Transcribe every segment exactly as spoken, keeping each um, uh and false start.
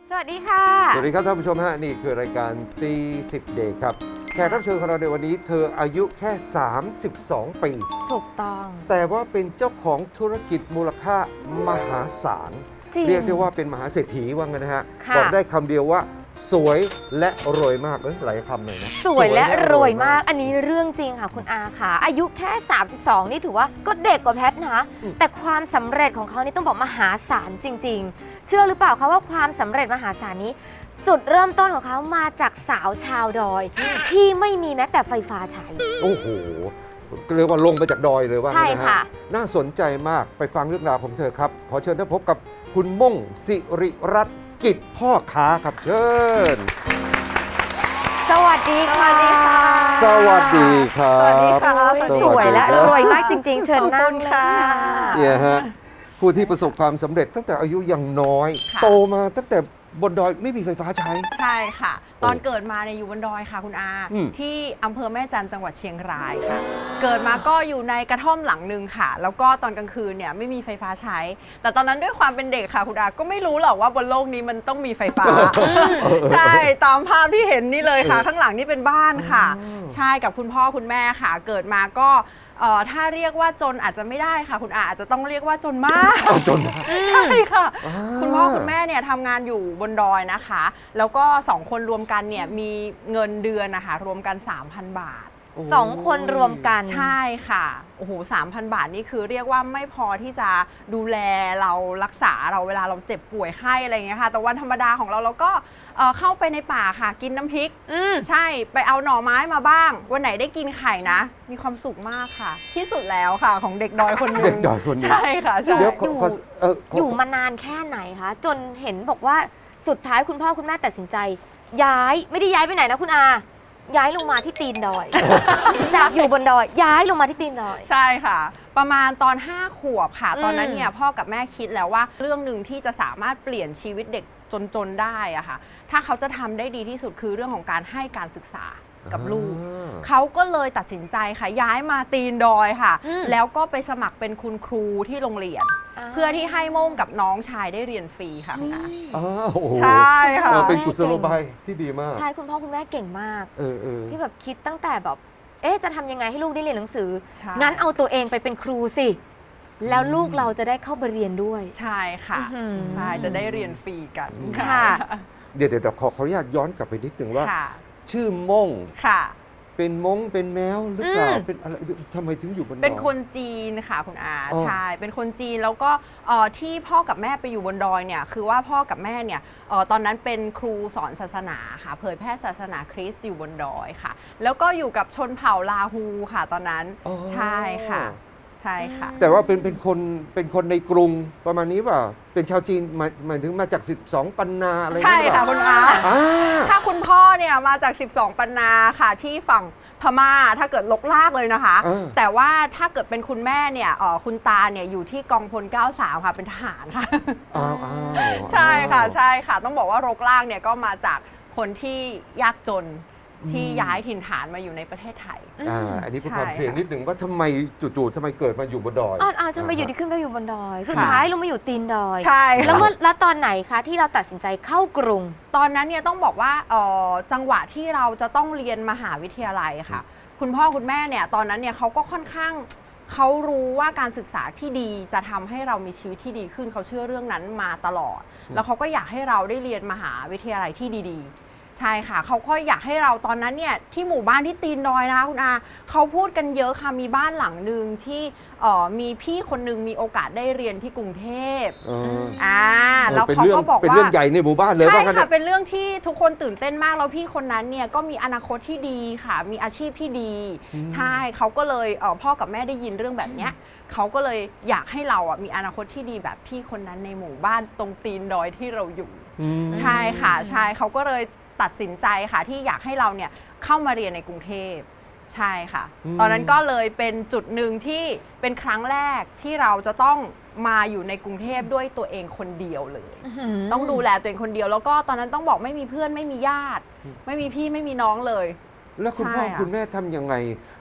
สวัสดีค่ะสวัสดีครับท่านผู้ชมฮะนี่คือรายการตีสิบเดย์ครับแขกรับเชิญของเราในวันนี้เธออายุแค่สามสิบสองปีถูกต้องแต่ว่าเป็นเจ้าของธุรกิจมูลค่ามหาศาลเรียกได้ว่าเป็นมหาเศรษฐีว่างั้นนะฮะบอกได้คำเดียวว่าสวยและรวยมากเอ้ยหลายคำหน่อยนะสวยและรวยมากอันนี้เรื่องจริงค่ะคุณอาค่ะอายุแค่สามสิบสองนี่ถือว่าก็เด็กกว่าแพทนะแต่ความสำเร็จของเขานี่ต้องบอกมหาศาลจริงๆเชื่อหรือเปล่าคะว่าความสำเร็จมหาศาลนี้จุดเริ่มต้นของเขามาจากสาวชาวดอยที่ไม่มีแม้แต่ไฟฟ้าใช้โอ้โหเรียกว่าลงมาจากดอยเลยว่าใช่ค่ะน่าสนใจมากไปฟังเรื่องราวของเธอครับขอเชิญท่านพบกับคุณม่งสิริรัตน์กิจพ่อค้าครับเชิญสวัสดีค่ะสวัสดีครับสวัสดีค่ะสวยและรวยมากจริงๆเชิญนั่งค่ะเนี่ยฮะผู้ที่ประสบความสำเร็จตั้งแต่อายุยังน้อยโตมาตั้งแต่บนดอยไม่มีไฟฟ้าใช้ใช่ค่ะตอนเกิดมาในอยู่บนดอยค่ะคุณอาที่อำเภอแม่จันทร์จังหวัดเชียงรายค่ะเกิดมาก็อยู่ในกระท่อมหลังหนึ่งค่ะแล้วก็ตอนกลางคืนเนี่ยไม่มีไฟฟ้าใช้แต่ตอนนั้นด้วยความเป็นเด็กค่ะคุณอาก็ไม่รู้หรอกว่าบนโลกนี้มันต้องมีไฟฟ้าใช่ตามภาพที่เห็นนี่เลยค่ะข้างหลังนี่เป็นบ้านค่ะใช่กับคุณพ่อคุณแม่ค่ะเกิดมาก็ถ้าเรียกว่าจนอาจจะไม่ได้ค่ะคุณอาอาจจะต้องเรียกว่าจนมากจนใช่ค่ะคุณพ่อคุณแม่เนี่ยทำงานอยู่บนดอยนะคะแล้วก็สองคนรวมกันเนี่ยมีเงินเดือนนะคะรวมกัน สามพัน บาทสองคนรวมกันใช่ค่ะโอ้โหสามพัน บาทนี่คือเรียกว่าไม่พอที่จะดูแลเรารักษาเราเวลาเราเจ็บป่วยไข้อะไรอย่างเงี้ยค่ะแต่วันธรรมดาของเราเราก็เข้าไปในป่าค่ะกินน้ำพริกใช่ไปเอาหน่อไม้มาบ้างวันไหนได้กินไข่นะมีความสุขมากค่ะที่สุดแล้วค่ะของเด็กดอยคนนึงเด็กดอยคนนึงใช่ค่ะใช่อยู่อยู่มานานแค่ไหนคะจนเห็นบอกว่าสุดท้ายคุณพ่อคุณแม่ตัดสินใจย้ายไม่ได้ย้ายไปไหนนะคุณอาย้ายลงมาที่ตีนดอยจากอยู่บนดอยย้ายลงมาที่ตีนดอยใช่ค่ะประมาณตอนห้าขวบค่ะตอนนั้นเนี่ยพ่อกับแม่คิดแล้วว่าเรื่องหนึ่งที่จะสามารถเปลี่ยนชีวิตเด็กจนๆได้อะค่ะถ้าเขาจะทำได้ดีที่สุดคือเรื่องของการให้การศึกษากับลูกเขาก็เลยตัดสินใจค่ะย้ายมาตีนดอยค่ะแล้วก็ไปสมัครเป็นคุณครูที่โรงเรียนเพื่อที่ให้โม่งกับน้องชายได้เรียนฟรีค่ะคุณอาใช่ค่ะเป็นกุศโลบายที่ดีมากใช่คุณพ่อคุณแม่เก่งมากที่แบบคิดตั้งแต่แบบเอ๊ะจะทำยังไงให้ลูกได้เรียนหนังสืองั้นเอาตัวเองไปเป็นครูสิแล้วลูกเราจะได้เข้าไปเรียนด้วยใช่ค่ะใช่จะได้เรียนฟรีกันค่ะเดี๋ยวเดี๋ยวขอขออนุญาตย้อนกลับไปนิดนึงว่าชื่อม่งค่ะเป็นมงเป็นแมวหรือเปล่าเป็นอะไรทำไมถึงอยู่บนดอยเป็นคนจีนค่ะคุณอาใช่เป็นคนจีนแล้วก็ที่พ่อกับแม่ไปอยู่บนดอยเนี่ยคือว่าพ่อกับแม่เนี่ยตอนนั้นเป็นครูสอนศาสนาค่ะเผยแพร่ศาสนาคริสต์อยู่บนดอยค่ะแล้วก็อยู่กับชนเผ่าลาฮูค่ะตอนนั้นใช่ค่ะใช่ค่ะแต่ว่าเป็นเป็นคนเป็นคนในกรุงประมาณนี้เปล่าเป็นชาวจีนหมายหมายถึงมาจากสิบสองปันนาอะไรใช่ค่ะคุณอาถ้าคุณพ่อเนี่ยมาจากสิบสองปันนาค่ะที่ฝั่งพม่าถ้าเกิดลกลากเลยนะคะแต่ว่าถ้าเกิดเป็นคุณแม่เนี่ยคุณตาเนี่ยอยู่ที่กองพลเก้าสิบสามค่ะเป็นทหารค่ะใช่ค่ะใช่ค่ะต้องบอกว่าลกลากเนี่ยก็มาจากคนที่ยากจนที่ย้ายถิ่นฐานมาอยู่ในประเทศไทยอ่าอันนี้เป็นความเพลียงนิดหนึ่งว่าทำไมจู่ๆทำไมเกิดมาอยู่บนดอยอ๋อทำไมอยู่ดีขึ้นไปอยู่บนดอยสุดท้ายลงมาอยู่ตีนดอยใช่แล้วเมื่อแล้วตอนไหนคะที่เราตัดสินใจเข้ากรุงตอนนั้นเนี่ยต้องบอกว่าจังหวะที่เราจะต้องเรียนมหาวิทยาลัยค่ะคุณพ่อคุณแม่เนี่ยตอนนั้นเนี่ยเขาก็ค่อนข้างเขารู้ว่าการศึกษาที่ดีจะทำให้เรามีชีวิตที่ดีขึ้นเขาเชื่อเรื่องนั้นมาตลอดแล้วเขาก็อยากให้เราได้เรียนมหาวิทยาลัยที่ดีๆใช่ค่ะเขาก็อยากให้เราตอนนั้นเนี่ยที่หมู่บ้านที่ตีนดอยนะคะคุณอาเขาพูดกันเยอะค่ะมีบ้านหลังหนึ่งที่มีพี่คนนึงมีโอกาสได้เรียนที่กรุงเทพอ่าแล้วเขาก็บอกว่าเป็นเรื่องใหญ่ในหมู่บ้านเลยใช่ค่ะเป็นเรื่องที่ทุกคนตื่นเต้นมากแล้วพี่คนนั้นเนี่ยก็มีอนาคตที่ดีค่ะมีอาชีพที่ดีใช่เขาก็เลยพ่อกับแม่ได้ยินเรื่องแบบเนี้ยเขาก็เลยอยากให้เราอ่ะมีอนาคตที่ดีแบบพี่คนนั้นในหมู่บ้านตรงตีนดอยที่เราอยู่ใช่ค่ะใช่เขาก็เลยตัดสินใจค่ะที่อยากให้เราเนี่ยเข้ามาเรียนในกรุงเทพใช่ค่ะตอนนั้นก็เลยเป็นจุดหนึ่งที่เป็นครั้งแรกที่เราจะต้องมาอยู่ในกรุงเทพด้วยตัวเองคนเดียวเลยต้องดูแลตัวเองคนเดียวแล้วก็ตอนนั้นต้องบอกไม่มีเพื่อนไม่มีญาติไม่มีพี่ไม่มีน้องเลยแล้วคุณพ่อคุณแม่ทำยังไง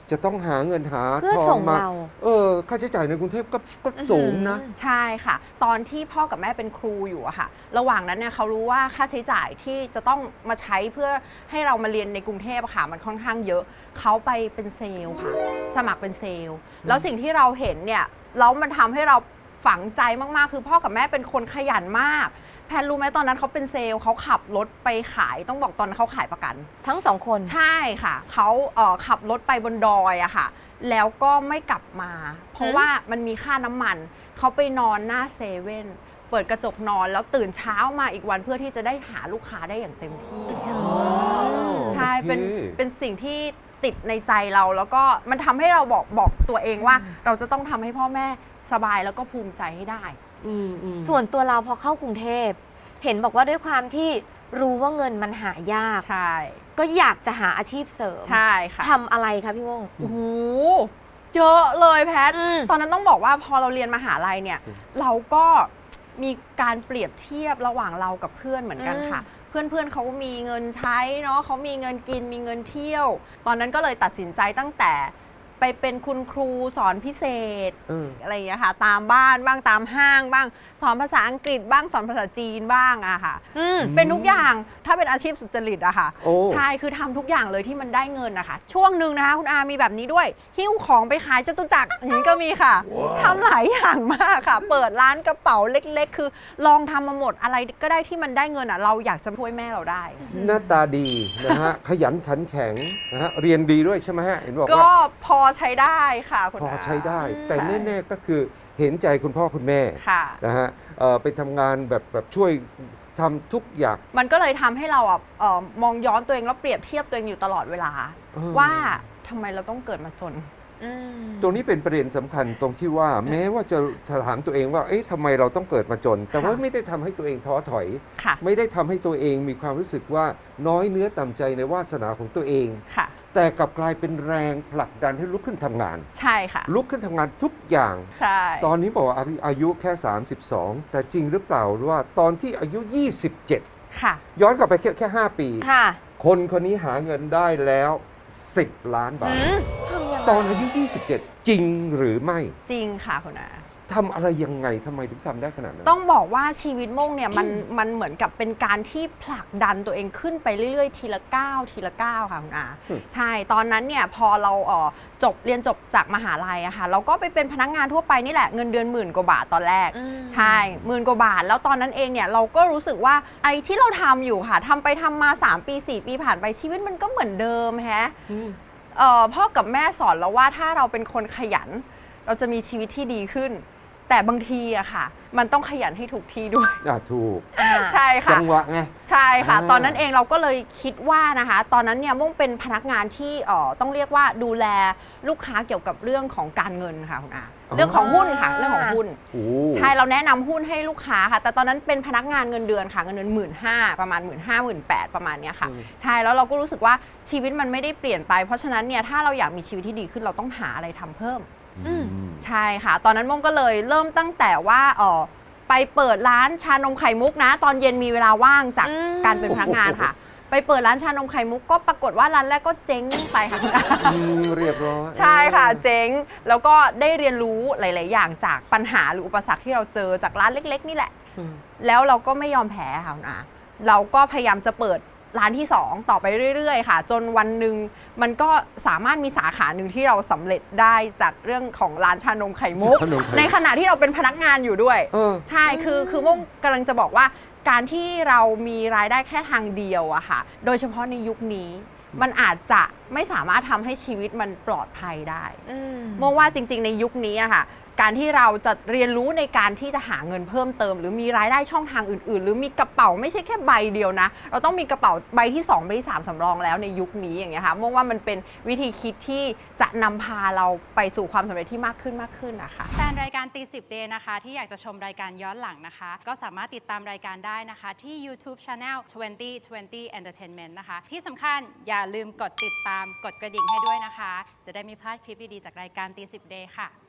จะต้องหาเงินหาเพื่อทอส่งงมาเราเออค่าใช้จ่ายในกรุงเทพก็ก็สูงนะอื้อหือใช่ค่ะ ตอนที่พ่อกับแม่เป็นครูอยู่อะค่ะ ระหว่างนั้นเนี่ยเขารู้ว่าค่าใช้จ่ายที่จะต้องมาใช้เพื่อให้เรามาเรียนในกรุงเทพอะค่ะมันค่อนข้างเยอะเขาไปเป็นเซลล์ค่ะ สมัครเป็นเซลล์แล้วสิ่งที่เราเห็นเนี่ยแล้วมันทำให้เราฝังใจมากๆ คือพ่อกับแม่เป็นคนขยันมากแพนรู้ไหมตอนนั้นเขาเป็นเซลล์เขาขับรถไปขายต้องบอกตอนนั้นเขาขายประกันทั้งสองคนใช่ค่ะเขาเอ่อขับรถไปบนดอยอะค่ะแล้วก็ไม่กลับมา เพราะหืมว่ามันมีค่าน้ำมันเขาไปนอนหน้าเซเว่นเปิดกระจกนอนแล้วตื่นเช้ามาอีกวันเพื่อที่จะได้หาลูกค้าได้อย่างเต็มที่ ใช่โอเคเป็นเป็นสิ่งที่ติดในใจเราแล้วก็มันทำให้เราบอกบอกตัวเองว่าเราจะต้องทำให้พ่อแม่สบายแล้วก็ภูมิใจให้ได้อืมอืมส่วนตัวเราพอเข้ากรุงเทพ เห็นบอกว่าด้วยความที่รู้ว่าเงินมันหายากใช่ก็อยากจะหาอาชีพเสริมใช่ค่ะทำอะไรคะพี่วงโอ้โหเยอะเลยแพทอืมตอนนั้นต้องบอกว่าพอเราเรียนมหาลัยเนี่ย เราก็มีการเปรียบเทียบระหว่างเรากับเพื่อนเหมือนกันค่ะ เพื่อนๆเขามีเงินใช้เนาะเขามีเงินกินมีเงินเที่ยว ตอนนั้นก็เลยตัดสินใจตั้งแต่ไปเป็นคุณครูสอนพิเศษเอออะไรอย่างเงี้ยค่ะ ตามบ้านบ้างตามห้างบ้าง สอนภาษาอังกฤษบ้างสอนภาษาจีนบ้างอะค่ะอืมเป็นทุกอย่างถ้าเป็นอาชีพสุจริตอะค่ะโอ้ใช่คือทำทุกอย่างเลยที่มันได้เงินนะคะช่วงหนึ่งนะคะคุณอามีแบบนี้ด้วยหิ้วของไปขายจตุจักรอย่างนี้ก็มีค่ะทำหลายอย่างมากค่ะ เปิดร้านกระเป๋าเล็กๆ คือลองทำมาหมดอะไรก็ได้ที่มันได้เงินอะเราอยากจะช่วยแม่เราได้หน้าตาดีนะฮะ ขยันขันแข็งนะฮะเรียนดีด้วยใช่ไหมฮะเห็นบอกก็ว่าพอใช้ได้ค่ะคุณพออาใช้ได้อืมแต่แน่ๆก็คือเห็นใจคุณพ่อคุณแม่ค่ะนะฮะเอ่อไปทำงานแบบแบบช่วยทำทุกอย่างมันก็เลยทำให้เราอ่ะเอ่อมองย้อนตัวเองแล้วเปรียบเทียบตัวเองอยู่ตลอดเวลาเออว่าทำไมเราต้องเกิดมาจนอืมตรงนี้เป็นประเด็นสำคัญตรงที่ว่าแม้ว่าจะถามตัวเองว่าเอ๊ะทำไมเราต้องเกิดมาจน แต่ว่าค่ะไม่ได้ทำให้ตัวเองท้อถอยค่ะไม่ได้ทำให้ตัวเองมีความรู้สึกว่าน้อยเนื้อต่ำใจในวาสนาของตัวเองค่ะแต่กลับกลายเป็นแรงผลักดันให้ลุกขึ้นทำงานใช่ค่ะลุกขึ้นทำงานทุกอย่างใช่ตอนนี้บอกว่าอายุแค่ สามสิบสอง แต่จริงหรือเปล่าว่าตอนที่อายุ ยี่สิบเจ็ดค่ะย้อนกลับไปแค่แค่ห้าปีค่ะคนคนนี้หาเงินได้แล้ว สิบ ล้านบาทอืมทำยังไงตอนอายุ ยี่สิบเจ็ด จริงหรือไม่จริงค่ะคุณอาทำอะไรยังไงทำไมถึงทำได้ขนาดนั้นต้องบอกว่าชีวิตโม่งเนี่ยมันมันเหมือนกับเป็นการที่ผลักดันตัวเองขึ้นไปเรื่อยๆ ทีละก้าวทีละก้าวค่ะคุณอาอืมใช่ตอนนั้นเนี่ยพอเราเอ่อจบเรียนจบจากมหาลัยอะค่ะเราก็ไปเป็นพนักงานทั่วไปนี่แหละเงินเดือนหมื่นกว่าบาทตอนแรกอืมใช่หมื่นกว่าบาท แล้วตอนนั้นเองเนี่ยเราก็รู้สึกว่าไอ้ที่เราทำอยู่ค่ะทำไปทำมาสามปีสี่ปีผ่านไปชีวิตมันก็เหมือนเดิมแฮะอืมเอ่อพ่อกับแม่สอนเราว่าถ้าเราเป็นคนขยัน เราจะมีชีวิตที่ดีขึ้น แต่บางทีอะค่ะ มันต้องขยันให้ถูกที่ด้วยอ่ะถูกอ่าใช่ค่ะจังหวะไงใช่ค่ะอ่าตอนนั้นเองเราก็เลยคิดว่านะคะ ตอนนั้นเนี่ยมุ่งเป็นพนักงานที่เอ่อต้องเรียกว่าดูแลลูกค้าเกี่ยวกับเรื่องของการเงินค่ะคุณอาเรื่องของหุ้นค่ะเรื่องของหุ้นโอ้ใช่เราแนะนำหุ้นให้ลูกค้าค่ะ แต่ตอนนั้นเป็นพนักงานเงินเดือนค่ะเงินเดือนหมื่นห้าประมาณหมื่นห้าหมื่นแปดประมาณเนี้ยค่ะ ใช่แล้วเราก็รู้สึกว่าชีวิตมันไม่ได้เปลี่ยนไป เพราะฉะนั้นเนี่ยถ้าเราอยากมีชีวิตที่ดีขึ้นเราต้องหาอะไรทำเพิ่มอืมใช่ค่ะ ตอนนั้นม่งก็เลยเริ่มตั้งแต่ว่าเออไปเปิดร้านชานมไข่มุกนะ ตอนเย็นมีเวลาว่างจากอืมการเป็นพนักงานค่ะ ไปเปิดร้านชานมไข่มุกก็ปรากฏว่าร้านแรกก็เจ๊งไปค่ะคุณอาอืมเรียบร้อยใช่ค่ะเจ๊งแล้วก็ได้เรียนรู้หลาย ๆ อย่างจากปัญหาหรืออุปสรรคที่เราเจอจากร้านเล็ก ๆ นี่แหละอืมแล้วเราก็ไม่ยอมแพ้ค่ะคุณอาเราก็พยายามจะเปิดร้านที่สองต่อไปเรื่อย ๆ ค่ะ จนวันหนึ่งมันก็สามารถมีสาขาหนึ่งที่เราสำเร็จได้จากเรื่องของร้านชานมไข่มุกชานมไข่มุกในขณะที่เราเป็นพนักงานอยู่ด้วยเออใช่ คือ คือโมงกำลังจะบอกว่าการที่เรามีรายได้แค่ทางเดียวอะค่ะ โดยเฉพาะในยุคนี้ มันอาจจะไม่สามารถทำให้ชีวิตมันปลอดภัยได้อืมโมงว่าจริง ๆ ในยุคนี้อะค่ะ การที่เราจะเรียนรู้ในการที่จะหาเงินเพิ่มเติม หรือมีรายได้ช่องทางอื่น ๆ หรือมีกระเป๋าไม่ใช่แค่ใบเดียวนะ เราต้องมีกระเป๋าใบที่สองใบที่สามสำรองแล้วในยุคนี้อย่างเงี้ยค่ะโมงว่ามันเป็นวิธีคิดที่จะนำพาเราไปสู่ความสำเร็จที่มากขึ้นมากขึ้นนะคะแฟนรายการตีสิบเดย์นะคะที่อยากจะชมรายการย้อนหลังนะคะ ก็สามารถติดตามรายการได้นะคะที่ YouTube Channel ยี่สิบ ยี่สิบ Entertainment นะคะ ที่สำคัญอย่าลืมกดติดตามกดกระดิ่งให้ด้วยนะคะ จะได้ไม่พลาดคลิปดี ๆ จากรายการตีสิบเดย์ค่ะ